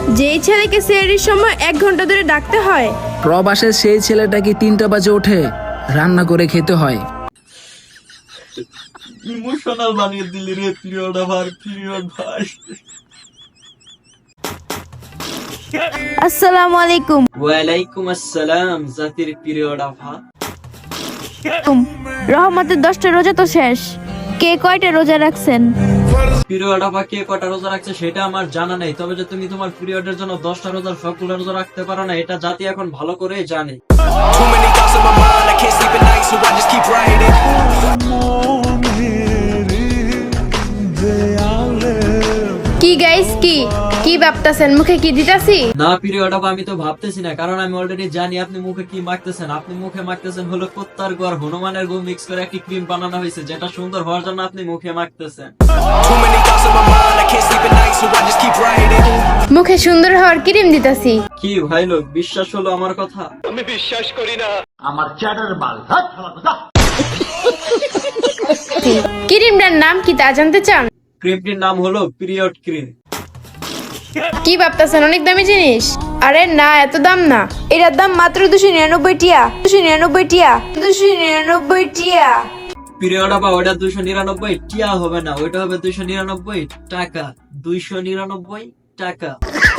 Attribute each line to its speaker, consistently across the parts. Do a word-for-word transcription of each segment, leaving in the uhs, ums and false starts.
Speaker 1: যেই ছেলেকে সেহরির সময় এক ঘন্টা ধরে ডাকতে হয়,
Speaker 2: প্রবাসের সেই ছেলেটাকে তিনটা বাজে ওঠে রান্না করে খেতে হয়।
Speaker 3: ইমোশনাল বানিয়ে দিলি রে পিরিয়ড আবার পিরিয়ড ভাই।
Speaker 1: আসসালামু আলাইকুম।
Speaker 3: ওয়ালাইকুম আসসালাম জাতির পিরিয়ড আভা।
Speaker 1: রহমতের দশটা রোজা তো শেষ, কে কয়টা রোজা রাখছেন?
Speaker 3: পিরিয়ড আভা কে কটা রোজা রাখছে সেটা আমার জানা নেই, তবে যে তুমি তোমার পিরিয়ডের জন্য দশটা রোজার সবগুলো রোজা রাখতে পারো না এটা জাতি এখন ভালো করে জানে।
Speaker 4: Too many thoughts on my mind, I can't sleep at night, so I just keep writing.
Speaker 1: কি গাইস, কি কি ভাবতাছেন? মুখে কি দিতাছি?
Speaker 3: না পিরিয়ড আভা আমি তো ভাবতেছি না, কারণ আমি অলরেডি জানি আপনি মুখে কি মাখতেছেন। আপনি মুখে মাখতেছেন হলো কুত্তার গো আর হনুমানের গো মিক্স করে একটি ক্রিম বানানো হয়েছে, যেটা সুন্দর হওয়ার জন্য আপনি মুখে মাখতেছেন।
Speaker 4: Too many thoughts on my mind, I can't sleep at night, so I just keep writing.
Speaker 1: মুখে সুন্দর হওয়ার ক্রিম দিতাছি।
Speaker 3: কি ভাই লোক, বিশ্বাস হলো আমার কথা?
Speaker 1: ক্রিমটার নাম কি তা জানতে চান?
Speaker 3: ক্রিমটির নাম হলো পিরিয়ড ক্রিম।
Speaker 1: কি ভাবতাছেন অনেক দামি জিনিস? আরে না, এত দাম না, এটার দাম মাত্র দুশো নিরানব্বই টিয়া। দুশো নিরানব্বই টিয়া, দুশো নিরানব্বই টিয়া।
Speaker 3: পিরিয়ড আবার ওইটা দুইশো নিরানব্বই টিয়া হবে না, ওইটা হবে দুইশো নিরানব্বই টাকা। দুইশো নিরানব্বই টাকা।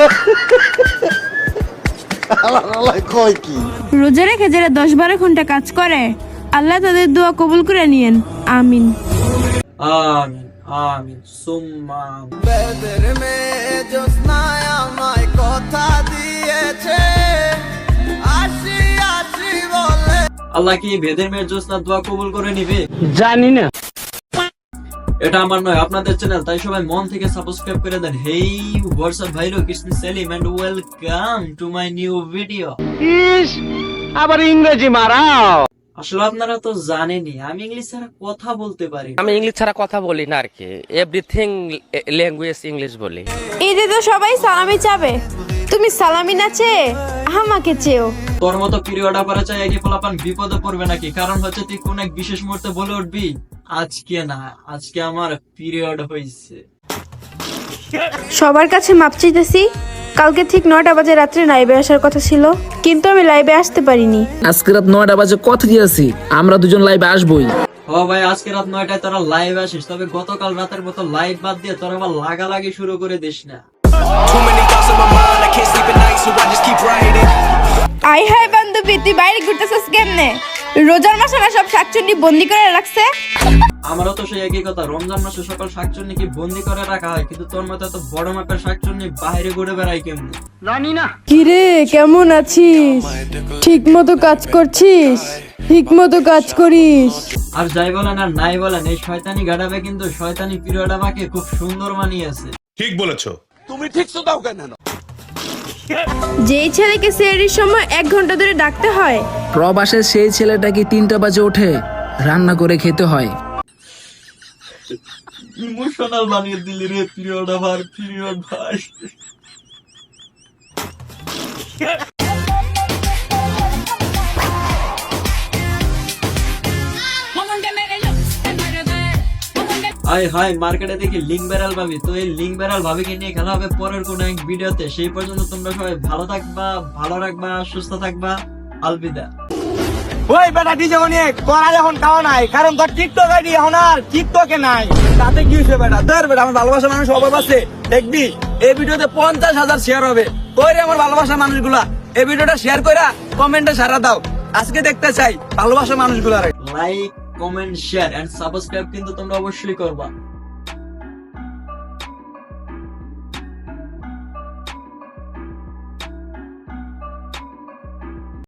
Speaker 1: রোজা রেখে যারা দশ বারো ঘন্টা কাজ করে, আল্লাহ তাদের দোয়া কবুল করে নিয়েন, আমিন।
Speaker 3: আমিন আমিন সুম্মা আমিন।
Speaker 4: বেদের মেয়ে জ্যোৎস্নায় আমায় কথা দিয়েছে, আসি আসি বলে।
Speaker 3: আল্লাহ কি ভেদের মেয়ের জ্যোৎস্নার দোয়া কবুল করে নিবে?
Speaker 5: জানি না।
Speaker 3: এটা আমার নয়, আপনাদের চ্যানেল, তাই সবাই মন থেকে সাবস্ক্রাইব করে দেন। হেই হোয়াটসঅ্যাপ ভাই লোক, it's me Selim and welcome to my new video.
Speaker 5: ইস, আবার ইংরেজি মারাও।
Speaker 3: আসলে আপনারা তো জানেনই আমি ইংলিশ ছাড়া কথা বলতে পারি না।
Speaker 6: আমি ইংলিশ ছাড়া কথা বলি না আর কি, এভরিথিং ল্যাঙ্গুয়েজ ইংলিশ বলি।
Speaker 1: ঈদে তো সবাই সালামি চাবে, তুমি সালামি না চেয়ে আমাকে চেও।
Speaker 3: তোর মতো পিরিয়ড আপারে চাই একে পোলাপান বিপদে পড়বে নাকি? কারণ হচ্ছে তুই কোন এক বিশেষ মুহূর্তে বলে উঠবি আজকে না, আজকে আমার পিরিয়ড হয়েছে।
Speaker 1: সবার কাছে মাপ চাইতেছি, কালকে ঠিক নয়টা বাজে রাত্রে লাইভে আসার কথা ছিল, কিন্তু আমি লাইভে আসতে পারিনি।
Speaker 2: আজকে রাত নয়টা বাজে কথা দিয়েছি আমরা দুজন লাইভে আসবোই।
Speaker 3: ও ভাই, আজকে রাত নয়টায় তোরা লাইভ আসিস, তবে গতকাল রাতের মতো লাইভ বাদ দিয়ে তোরা আবার লাগালাগি শুরু করে দিস না।
Speaker 4: Too many thoughts on my mind, I can't sleep at night, so I just keep writing.
Speaker 1: আই হাই বান্ধবী, তুই বাইরে ঘুরতেছিস কেমনে? রোজার মাসে না সব শাকচুন্নি বন্দি করে রাখছে।
Speaker 3: আমারও তো সেই একই কথা, রমজান মাসে সকল শাকচুন্নি কি বন্দি করে রাখা হয়, কিন্তু তোর মতো এত বড় মাপের শাকচুন্নি বাইরে ঘুরে বেড়ায় কেমনে?
Speaker 5: জানি না।
Speaker 1: কিরে, কেমন আছিস? ঠিক মতো কাজ করছিস? ঠিক মতো কাজ করিস?
Speaker 3: আর যাই বলেন আর নাই বলেন, এই শয়তানি গাড়াবে কিন্তু শয়তানি পিরিয়ড আমাকে খুব সুন্দর মানিয়েছে।
Speaker 7: ঠিক বলেছো।
Speaker 1: যেই ছেলেকে সেহরির সময় এক ঘন্টা ধরে ডাকতে হয়,
Speaker 2: প্রবাসের সেই ছেলেটাকে তিনটা বাজে ওঠে রান্না করে খেতে হয়।
Speaker 3: ইমোশনাল বানিয়ে দিলি রে পিরিয়ড আবার পিরিয়ড ভাই। আই হাই মার্কেটে দেখি লিঙ্ক বেড়াল ভাবি, তো এই লিঙ্ক বেড়াল ভাবিকে নিয়ে খেলা হবে পরের কোন এক ভিডিওতে। সেই পর্যন্ত তোমরা সবাই ভালো থাকবা, ভালো রাখবা, সুস্থ থাকবা। আলবিদা।
Speaker 5: ওই বেটা ডিজে অনেক করা এখন খাওয়া নাই, কারণ তোর টিকটক আইডি এখন আর টিকটকে নাই। তাতে কি হয়েছে বেটা? ধর বেটা, আমার ভালোবাসা মানুষ অভাব আছে, দেখবি এই ভিডিওতে পঞ্চাশ হাজার শেয়ার হবে। কইরে আমার ভালোবাসা মানুষগুলা এই ভিডিওটা শেয়ার কইরা কমেন্টে সারা দাও, আজকে দেখতে চাই ভালোবাসা মানুষগুলা।
Speaker 3: Like, comment, share and subscribe কিন্তু তোমরা অবশ্যই করবা।